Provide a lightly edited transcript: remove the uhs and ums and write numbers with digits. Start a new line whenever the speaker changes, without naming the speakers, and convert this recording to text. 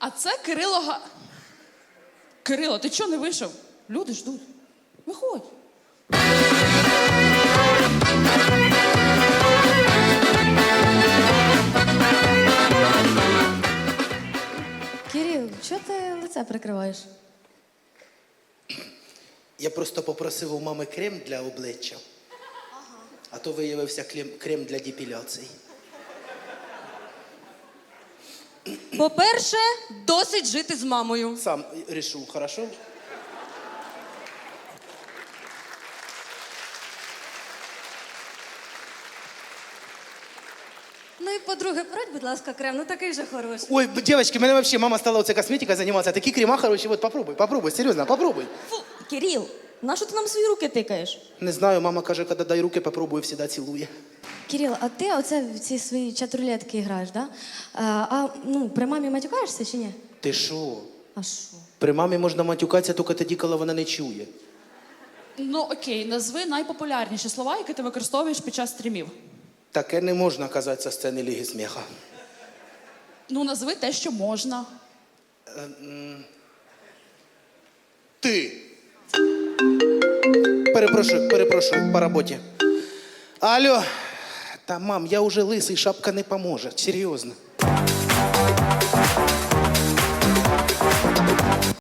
А це Кирило. Кирило, ти чого не вийшов? Люди ждуть. Виходь.
Кирил, чого ти лице прикриваєш?
Я просто попросив у мами крем для обличчя. А то виявився крем для депіляції.
По-перше, досить жити з мамою.
Сам рішу, хорошо?
Ну і по-друге, порадь, будь ласка, крем, ну такий же хороший.
Ой, девочки, мене вообще мама стала оце косметикою займатися. Такі крема хороші, вот попробуй, серйозно, попробуй.
Фу, Кирил, нащо ти нам свої руки тикаєш?
Не знаю, мама каже, коли дай руки, попробую, всегда цілує.
Кирил, а ти оце в ці свої чат-рулетки граєш, да? При мамі матюкаєшся чи ні?
Ти що?
А що?
При мамі можна матюкатися тільки тоді, коли вона не чує.
Ну окей, назви найпопулярніші слова, які ти використовуєш під час стрімів.
Таке не можна казати зі сцени Ліги сміха.
Ну, назви те, що можна.
Ти. Перепрошую, по роботі. Алло. Та, мам, я уже лисий, шапка не поможе. Серйозно.